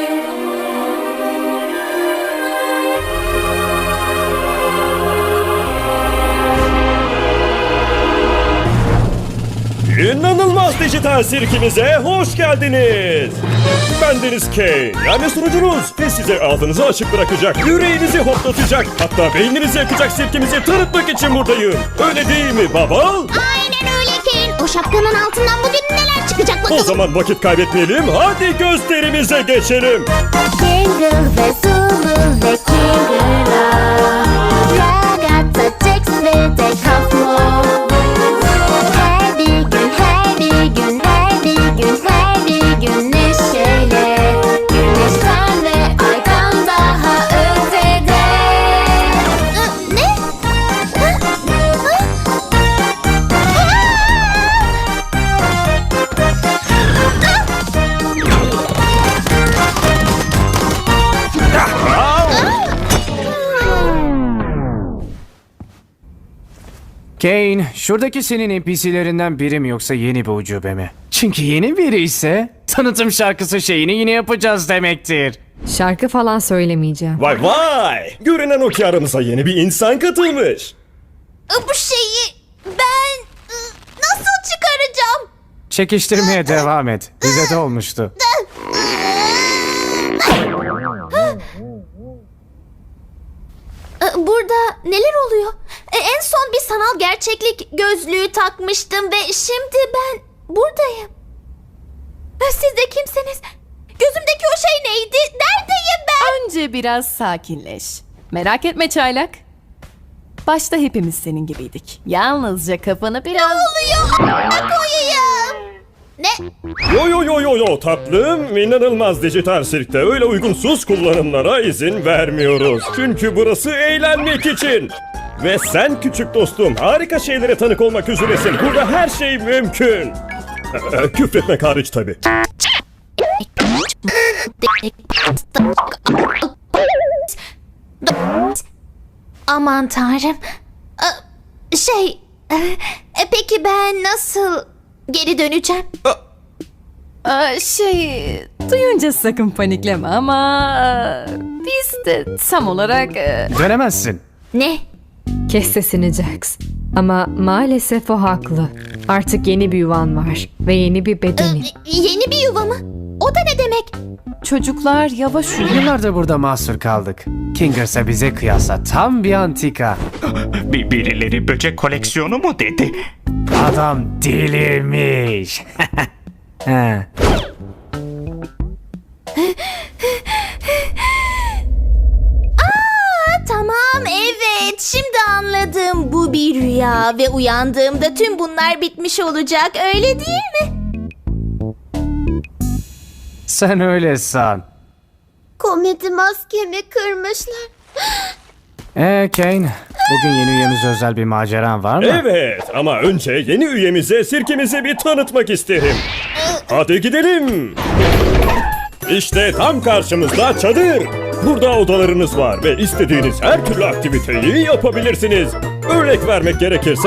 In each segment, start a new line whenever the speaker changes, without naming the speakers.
İnanılmaz dijital sirkimize hoş geldiniz. Bendeniz Kane, yani sunucunuz ve size ağzınızı açık bırakacak, yüreğinizi hoplatacak, hatta beyninizi yakacak sirkimizi tanıtmak için buradayım. Öyle değil mi baba?
Aynen öyle Kane. O şapkanın altından bugün neler çıkacak
O
bakalım.
zaman vakit kaybetmeyelim, hadi gösterimize geçelim.
Jingle ve Zulu ve Kingula, Ragazza, Jax ve de Kafmo. Her bir gün, her bir gün, her bir gün, her bir gün neşeyle. Güneşten ve aydan daha ötede. Ne?
Kane, şuradaki senin NPC'lerinden biri mi yoksa yeni bir ucube mi? Çünkü yeni biri ise tanıtım şarkısı şeyini yine yapacağız demektir.
Şarkı falan söylemeyeceğim.
Vay vay! Görünen o ki aramıza yeni bir insan katılmış.
Bu şeyi ben nasıl çıkaracağım?
Çekiştirmeye devam et. Bize de olmuştu.
Burada neler oluyor? En son bir sanal gerçeklik gözlüğü takmıştım ve şimdi ben buradayım. Siz de kimsiniz? Gözümdeki o şey neydi? Neredeyim ben?
Önce biraz sakinleş. Merak etme çaylak. Başta hepimiz senin gibiydik. Yalnızca kafanı biraz...
Oluyor. Ne koyayım? Ne?
Yo tatlım, inanılmaz dijital sirkte öyle uygunsuz kullanımlara izin vermiyoruz. Çünkü burası eğlenmek için. Ve sen küçük dostum harika şeylere tanık olmak üzeresin. Burada her şey mümkün. Küfretmek hariç tabii.
Aman tanrım. Peki ben nasıl geri döneceğim?
Duyunca sakın panikleme ama... biz de tam olarak...
Dönemezsin.
Ne?
Kes sesini Jax. Ama maalesef o haklı. Artık yeni bir yuvan var ve yeni bir bedenin.
Yeni bir yuva mı? O da ne demek?
Çocuklar yavaş uyuyun.
Yıllardır burada mahsur kaldık. Kingers'a bize kıyasla tam bir antika.
Birileri böcek koleksiyonu mu dedi?
Adam delirmiş. He.
Tamam, evet, şimdi anladım. Bu bir rüya ve uyandığımda tüm bunlar bitmiş olacak, öyle değil mi?
Sen öyle san.
Komedi maskemi kırmışlar.
Kane, bugün yeni üyemize özel bir maceran var mı?
Evet ama önce yeni üyemize sirkimizi bir tanıtmak isterim. Hadi gidelim. İşte tam karşımızda çadır. Burada odalarınız var ve istediğiniz her türlü aktiviteyi yapabilirsiniz. Örnek vermek gerekirse...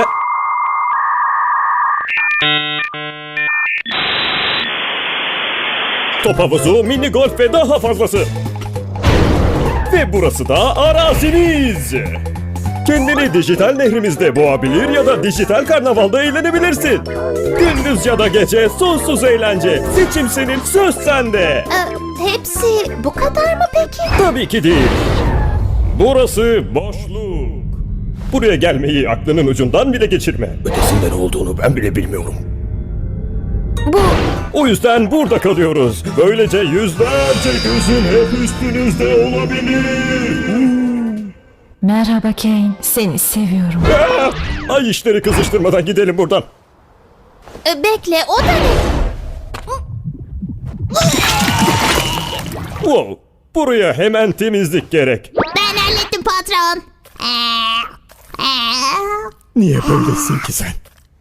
Top havuzu, mini golf ve daha fazlası. Ve burası da araziniz. Kendini dijital nehrimizde boğabilir ya da dijital karnavalda eğlenebilirsin. Gündüz ya da gece sonsuz eğlence. Seçim senin, söz sende.
Hepsi bu kadar mı peki?
Tabii ki değil. Burası boşluk. Buraya gelmeyi aklının ucundan bile geçirme. Ötesinde ne olduğunu ben bile bilmiyorum.
Bu
O yüzden burada kalıyoruz. Böylece yüzlerce gözün hep üstünüzde olabilir.
Merhaba Kane, seni seviyorum.
Ay işleri kızıştırmadan gidelim buradan.
bekle, o da ne?
Wow, buraya hemen temizlik gerek.
Ben hallettim patron.
Niye böylesin ki sen?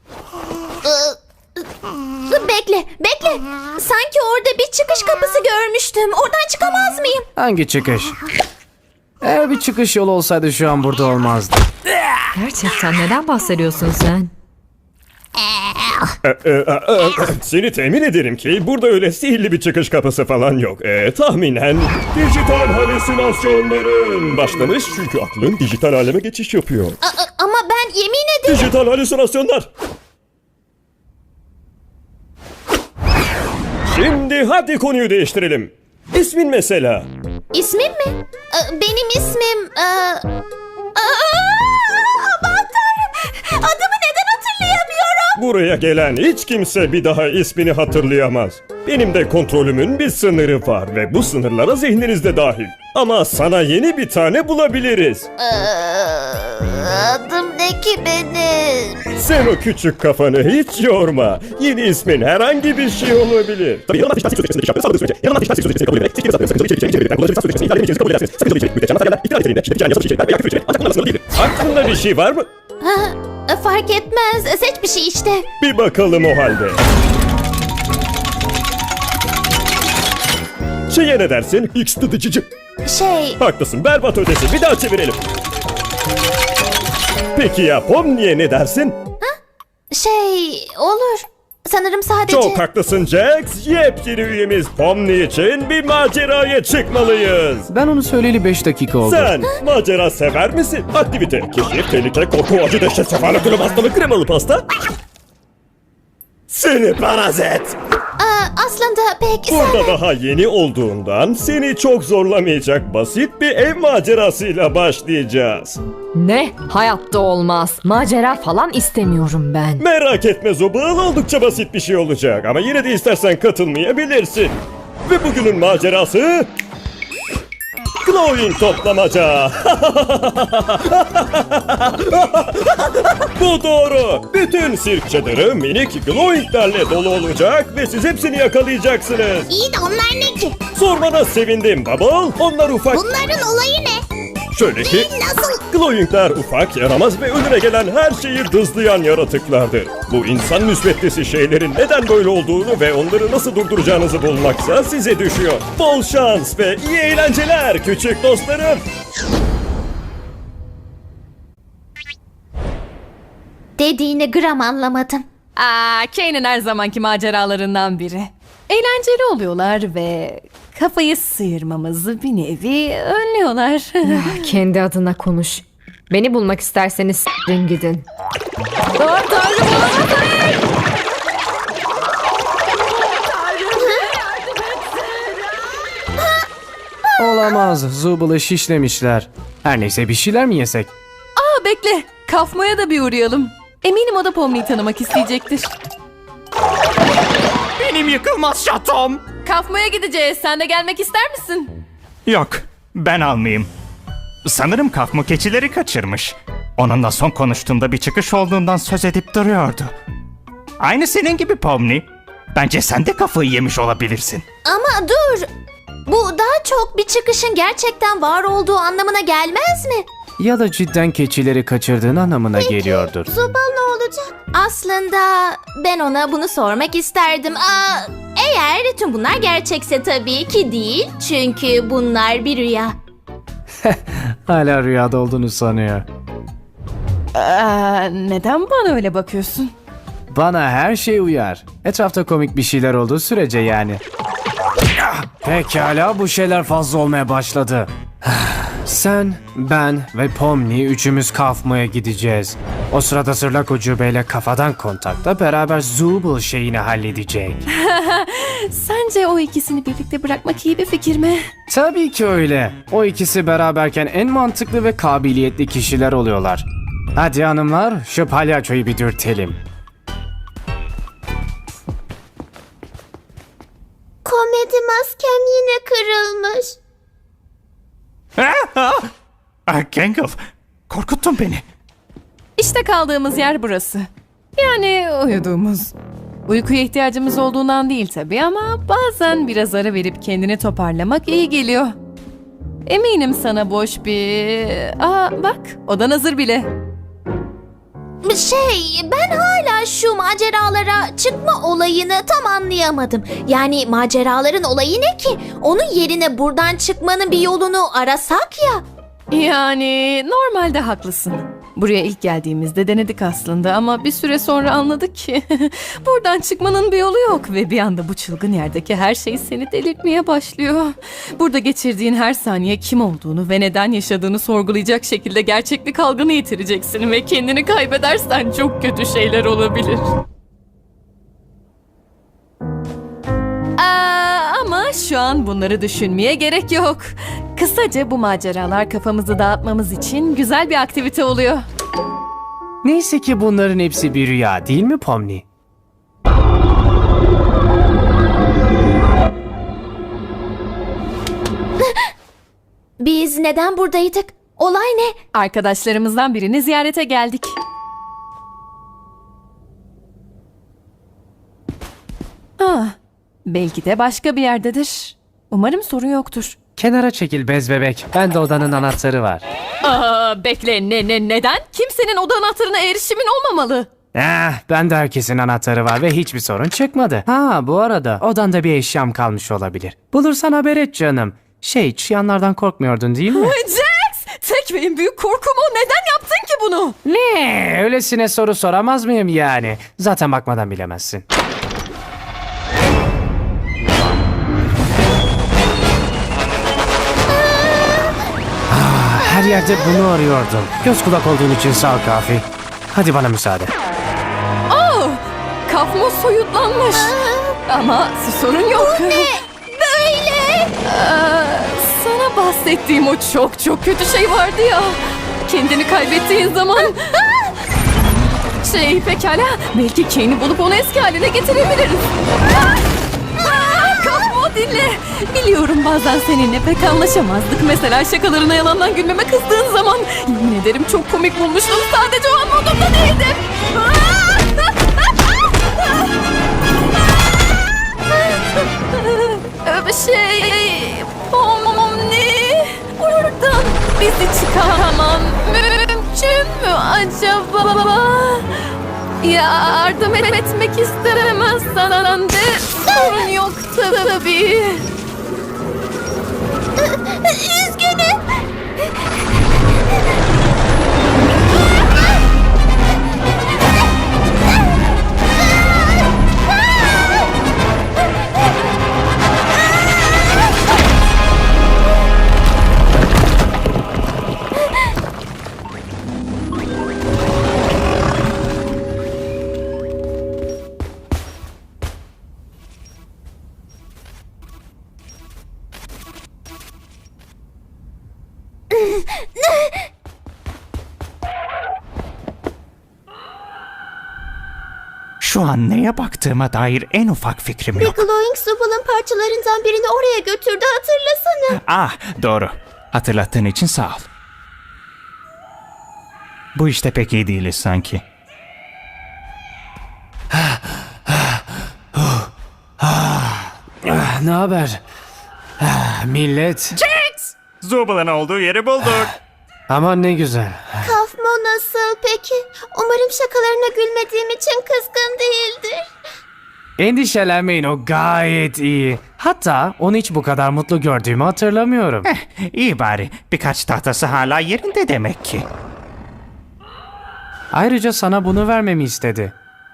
Bekle. Sanki orada bir çıkış kapısı görmüştüm. Oradan çıkamaz mıyım?
Hangi çıkış? Eğer bir çıkış yolu olsaydı şu an burada olmazdı.
Gerçekten neden bahsediyorsun sen?
Seni temin ederim ki burada öyle sihirli bir çıkış kapısı falan yok. Tahminen dijital halüsinasyonların başlamış çünkü aklın dijital aleme geçiş yapıyor.
Ama ben yemin ederim.
Dijital halüsinasyonlar. Şimdi hadi konuyu değiştirelim. İsmin mesela.
İsmim mi? Benim ismim... Aman tanrım. Adımı neden hatırlayamıyorum?
Buraya gelen hiç kimse bir daha ismini hatırlayamaz. Benim de kontrolümün bir sınırı var ve bu sınırlara zihniniz dahil. Ama sana yeni bir tane bulabiliriz.
Adım ne ki benim?
Sen o küçük kafanı hiç yorma. Yeni ismin herhangi bir şey olabilir. Tabii yanılmaz dijital sözleşmesinde iş yaptığınız sürece yanılmaz dijital sözleşmesini kabul ederek seçtiğiniz adını sakıncalı içerik içerikleri kullanıcı dijital sözleşmesini ihlal edemeyeceğinizi kabul edersiniz. Sakıncalı içerik, müddetçe anlatılan ihtilal niteliğinde şiddet içeren yasal içerikler veya küfür içerikler ancak bunlarla sınırlı değildir. Aklında bir şey var mı?
Fark etmez. Seç bir şey işte.
Bir bakalım o halde. Şeye ne dersin? X tıdıcıcı. Haklısın, berbat ötesi. Bir daha çevirelim. Peki ya Pomni'ye ne dersin?
Olur. Sanırım sadece...
Çok haklısın Jax. Yepyeni üyemiz Pomni için bir maceraya çıkmalıyız.
Ben onu söyleyeli 5 dakika oldu.
Sen macera sever misin? Aktivite, keşif, tehlike, korku, acı, dehşet, sefalet, ölüm, hastalık, kremalı pasta. Seni parazit.
Aslında pek...
Burada daha yeni olduğundan seni çok zorlamayacak basit bir ev macerasıyla başlayacağız.
Ne? Hayatta olmaz. Macera falan istemiyorum ben.
Merak etme Zobal, oldukça basit bir şey olacak ama yine de istersen katılmayabilirsin. Ve bugünün macerası... Glowing toplamaca. Bu doğru. Bütün sirk çadırı minik glowinglerle dolu olacak ve siz hepsini yakalayacaksınız.
İyi de onlar ne ki?
Sormana sevindim Bubble. Onlar ufak...
Bunların olayı ne?
Şöyle ki...
Nasıl?
Glowingler ufak, yaramaz ve önüne gelen her şeyi dızlayan yaratıklardır. Bu insan müsbetlisi şeylerin neden böyle olduğunu ve onları nasıl durduracağınızı bulmaksa size düşüyor. Bol şans ve iyi eğlenceler küçük dostlarım.
Dediğini gram anlamadım.
Kane'in her zamanki maceralarından biri. Eğlenceli oluyorlar ve kafayı sıyırmamızı bir nevi önlüyorlar.
Kendi adına konuş. Beni bulmak isterseniz s**rin gidin.
Olamaz. Zubal'ı şişlemişler. Her neyse bir şeyler mi yesek?
Bekle, Kafmo'ya da bir uğrayalım. Eminim o da Pomni'yi tanımak isteyecektir.
Benim yıkılmaz şatom.
Kafmo'ya gideceğiz. Sen de gelmek ister misin?
Yok, ben almayayım. Sanırım Kafmo keçileri kaçırmış. Onunla son konuştuğumda bir çıkış olduğundan söz edip duruyordu. Aynı senin gibi Pomni. Bence sen de kafayı yemiş olabilirsin.
Ama dur. Bu daha çok bir çıkışın gerçekten var olduğu anlamına gelmez mi?
Ya da cidden keçileri kaçırdığın anlamına geliyordur.
Zubal ne olacak? Aslında ben ona bunu sormak isterdim. Eğer tüm bunlar gerçekse tabii ki değil. Çünkü bunlar bir rüya.
Hala rüyada olduğunu sanıyor.
Neden bana öyle bakıyorsun?
Bana her şey uyar. Etrafta komik bir şeyler olduğu sürece yani. Pekala, bu şeyler fazla olmaya başladı. Sen, ben ve Pomni üçümüz Kafmo'ya gideceğiz. O sırada Sırlak Ucube'yle kafadan kontakta beraber Zubul şeyini halledecek.
Sence o ikisini birlikte bırakmak iyi bir fikir mi?
Tabii ki öyle. O ikisi beraberken en mantıklı ve kabiliyetli kişiler oluyorlar. Hadi hanımlar, şu palyaçoyu bir dürtelim.
Komedi maskem yine kırılmış.
Gangle, korkuttun beni.
İşte kaldığımız yer burası. Yani uyuduğumuz. Uykuya ihtiyacımız olduğundan değil tabii ama bazen biraz ara verip kendini toparlamak iyi geliyor. Eminim sana boş bir... bak, odan hazır bile.
Ben hala şu maceralara çıkma olayını tam anlayamadım. Yani maceraların olayı ne ki? Onun yerine buradan çıkmanın bir yolunu arasak ya.
Yani normalde haklısın. Buraya ilk geldiğimizde denedik aslında ama bir süre sonra anladık ki buradan çıkmanın bir yolu yok ve bir anda bu çılgın yerdeki her şey seni delirtmeye başlıyor. Burada geçirdiğin her saniye kim olduğunu ve neden yaşadığını sorgulayacak şekilde gerçeklik algını yitireceksin ve kendini kaybedersen çok kötü şeyler olabilir. Ama şu an bunları düşünmeye gerek yok. Kısaca bu maceralar kafamızı dağıtmamız için güzel bir aktivite oluyor.
Neyse ki bunların hepsi bir rüya değil mi Pomni?
Biz neden buradaydık? Olay ne?
Arkadaşlarımızdan birini ziyarete geldik. Belki de başka bir yerdedir. Umarım sorun yoktur.
Kenara çekil bez bebek. Bende odanın anahtarı var.
Bekle neden? Kimsenin oda anahtarına erişimin olmamalı.
Bende herkesin anahtarı var ve hiçbir sorun çıkmadı. Bu arada odanda bir eşyam kalmış olabilir. Bulursan haber et canım. Çıyanlardan korkmuyordun değil mi?
Jax! Tek ve en büyük korkum o. Neden yaptın ki bunu?
Ne? Öylesine soru soramaz mıyım yani? Zaten bakmadan bilemezsin. Her yerde bunu arıyordum. Göz kulak olduğun için sağ ol Kafi. Hadi bana müsaade.
Kafmo soyutlanmış. Ama sorun yok.
Ne? Böyle.
Sana bahsettiğim o çok kötü şey vardı ya. Kendini kaybettiğin zaman... Pekala. Belki Kane'i bulup onu eski haline getirebiliriz. Kafmo dinle. Biliyorum bazen seninle pek anlaşamazdık. Mesela şakalarına yalandan gülmeme kızdığın zaman. Yemin ederim çok komik bulmuştum. Sadece o an modumda değildim. Pomni, buradan bizi çıkaramam mümkün mü acaba? Yardım etmek istemezsen de sorun yok tabii.
Üzgünüm.
Şu an neye baktığıma dair en ufak fikrim yok.
Glowing Zubal'ın parçalarından birini oraya götürdü, hatırlasana.
Doğru. Hatırlattığın için sağ ol. Bu işte pek iyi değiliz sanki.
Ne haber? Millet.
Zubal'ın olduğu yeri bulduk.
Aman ne güzel.
Kafmo nasıl peki? Umarım şakalarına gülmediğim için kızgın değildir.
Endişelenmeyin, o gayet iyi. Hatta onu hiç bu kadar mutlu gördüğümü hatırlamıyorum.
İyi bari. Birkaç tahtası hala yerinde demek ki.
Ayrıca sana bunu vermemi istedi.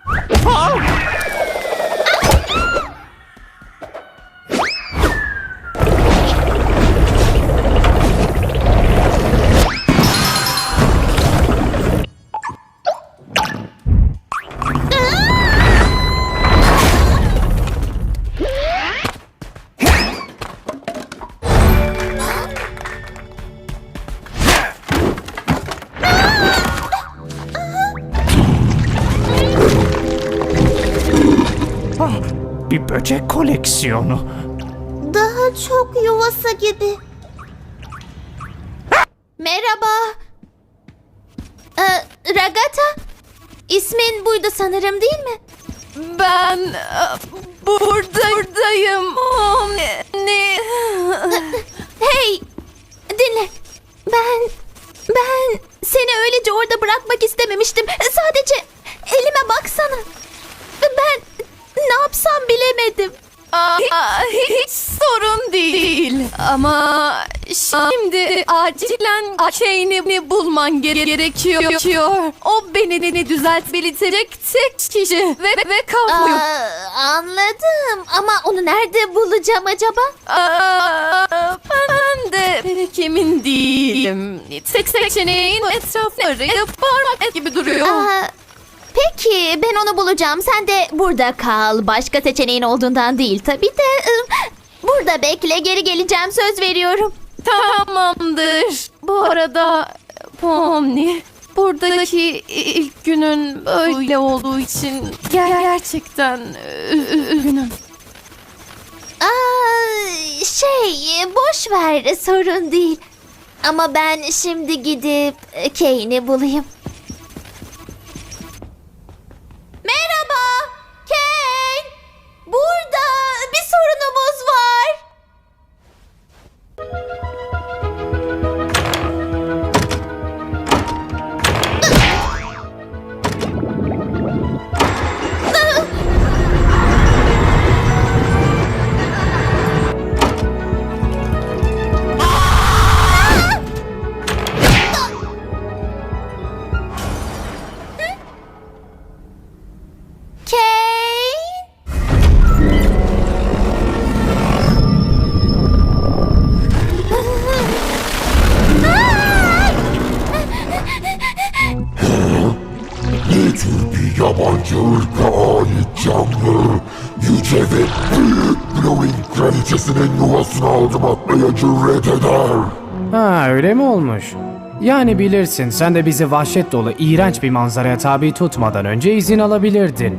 Bir böcek koleksiyonu.
Daha çok yuvası gibi. Merhaba. Ragata. İsmin buydu sanırım, değil mi?
Ben buradayım. Ne?
Hey, dinle. Ben seni öylece orada bırakmak istememiştim. Sadece elime baksana. Ben ne yapsam bilemedim.
Hiç sorun değil. Ama Şimdi acilen Kane'i bulman gerekiyor. O beni düzeltebilecek tek kişi ve Kafmo'yu.
Anladım ama onu nerede bulacağım acaba?
Ben de pek emin değilim. Tek seçeneğin etrafını arayıp parmak gibi duruyor.
Peki ben onu bulacağım. Sen de burada kal. Başka seçeneğin olduğundan değil tabii de. Burada bekle, geri geleceğim, söz veriyorum.
Tamamdır. Bu arada Pomni, buradaki ilk günün böyle olduğu için gerçekten üzgünüm.
Boş ver, sorun değil. Ama ben şimdi gidip Kane'i bulayım. Merhaba, Kane. Burada bir sorunumuz var. Kane.
Ne tür bir yabancı ırka ait canlı, yüce ve büyük Glowing kraliçesinin yuvasına adım atmaya cüret eder.
Ha öyle mi olmuş? Yani bilirsin sen de bizi vahşet dolu iğrenç bir manzaraya tabi tutmadan önce izin alabilirdin.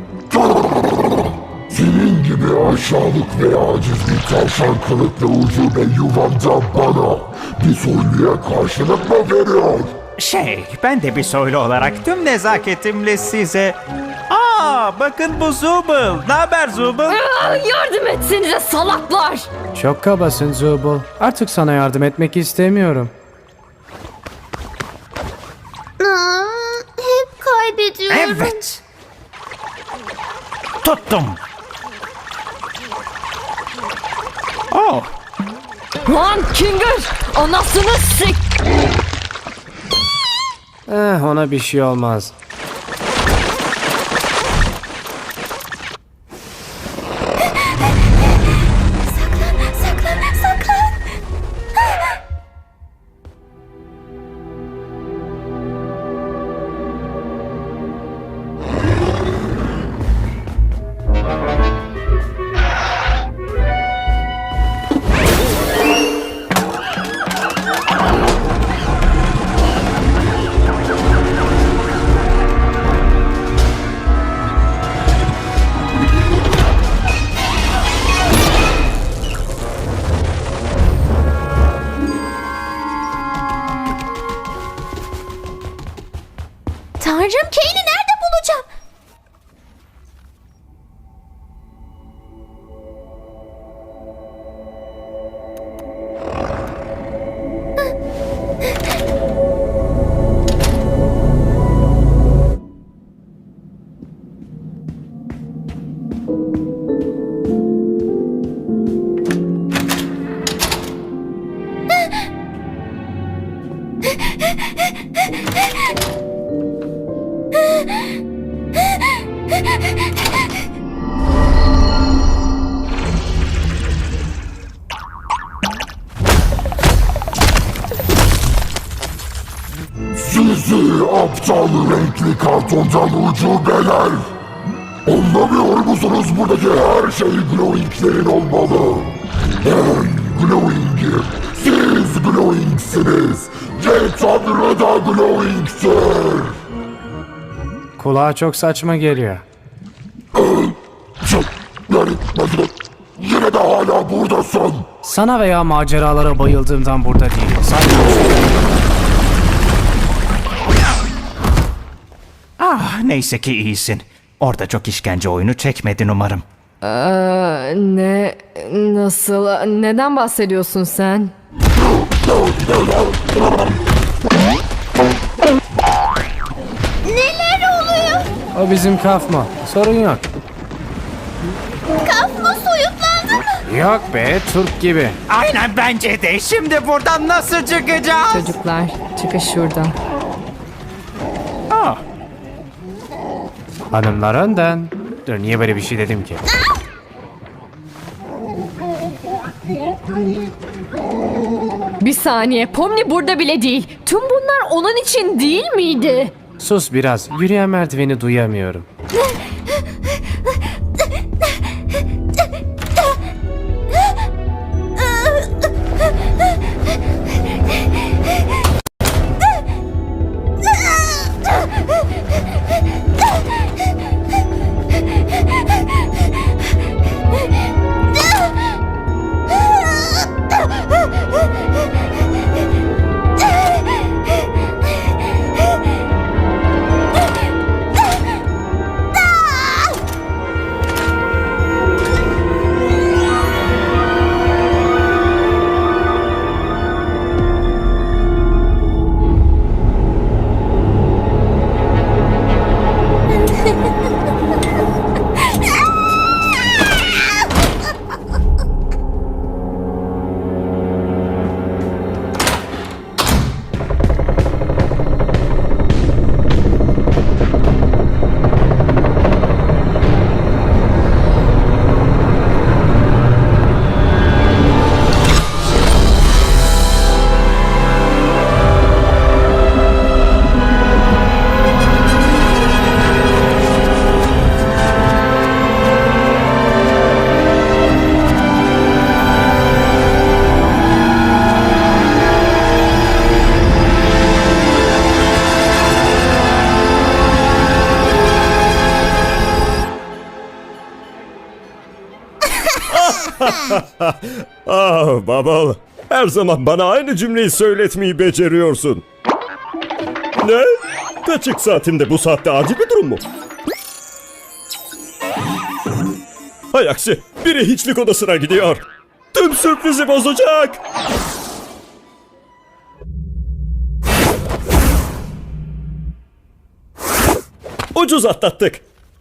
Senin gibi aşağılık ve aciz bir tavşan kılıklı ucube yuvamda bana bir soyluya karşılık mı veriyor?
Ben de bir soylu olarak tüm nezaketimle size... bakın bu Zubul. Ne haber Zubul?
Yardım etsenize salaklar.
Çok kabasın Zubul. Artık sana yardım etmek istemiyorum.
Hep kaybediyorum.
Evet. Tuttum.
Lan Kinger, anasını sik.
Ona bir şey olmaz.
Saklan. Tanrım, Kane'i nerede bulacağım?
Sizi aptal renkli kartondan ucubeler! Anlamıyor musunuz, buradaki her şey Glowing'lerin olmalı? Ben Glowing'im, siz Glowing'siniz ve Tanrı da Glowing'tir!
Kulağa çok saçma geliyor.
Yani yine de hala buradasın!
Sana veya maceralara bayıldığımdan burada değilim. Sadece...
Neyse ki iyisin. Orada çok işkence oyunu çekmedin umarım.
Ne? Nasıl? Neden bahsediyorsun sen?
Neler oluyor?
O bizim Kafmo. Sorun yok.
Kafma soyutlandı mı?
Yok be, Türk gibi.
Aynen bence de. Şimdi buradan nasıl çıkacağız?
Çocuklar, çıkış şuradan.
Aa,
Hanımlar önden. Dur, niye böyle bir şey dedim ki?
Bir saniye, Pomni burada bile değil. Tüm bunlar onun için değil miydi?
Sus biraz, yürüyen merdiveni duyamıyorum.
Ah Bubble, her zaman bana aynı cümleyi söyletmeyi beceriyorsun. Ne? Kaçık saatimde bu saatte acil bir durum mu? Hay aksi, biri hiçlik odasına gidiyor. Tüm sürprizi bozacak. Ucuz atlattık.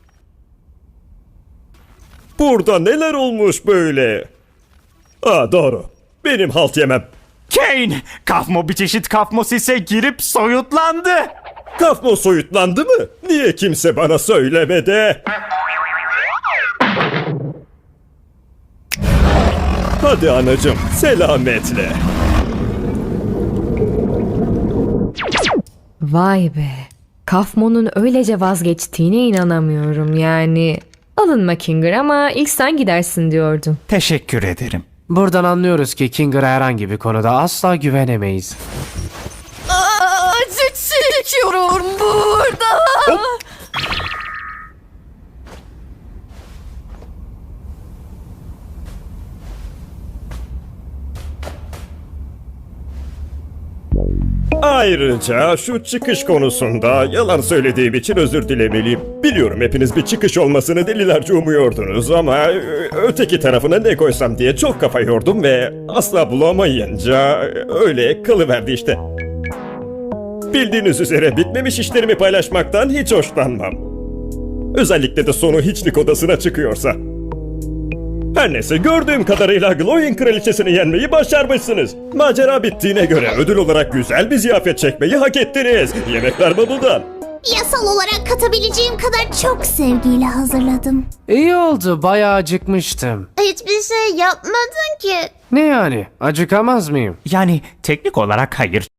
Burada neler olmuş böyle? Aa doğru. Benim halt yemem.
Kane! Kafmo bir çeşit kafmosise girip soyutlandı.
Kafmo soyutlandı mı? Niye kimse bana söylemedi? Hadi anacığım, selametle.
Vay be. Kafmon'un öylece vazgeçtiğine inanamıyorum yani. Alınma Kinger ama ilk sen gidersin diyordum.
Teşekkür ederim.
Buradan anlıyoruz ki Kinger'a herhangi bir konuda asla güvenemeyiz.
Acı çekiyorum burada.
Ayrıca şu çıkış konusunda yalan söylediğim için özür dilemeliyim. Biliyorum hepiniz bir çıkış olmasını delilerce umuyordunuz ama öteki tarafına ne koysam diye çok kafa yordum ve asla bulamayınca öyle kalıverdi işte. Bildiğiniz üzere bitmemiş işlerimi paylaşmaktan hiç hoşlanmam. Özellikle de sonu hiçlik odasına çıkıyorsa. Her neyse gördüğüm kadarıyla Glowing kraliçesini yenmeyi başarmışsınız. Macera bittiğine göre ödül olarak güzel bir ziyafet çekmeyi hak ettiniz. Yemekler Bubble'dan.
Yasal olarak katabileceğim kadar çok sevgiyle hazırladım.
İyi oldu, bayağı acıkmıştım.
Hiçbir şey yapmadın ki.
Ne yani, acıkamaz mıyım?
Yani teknik olarak hayır.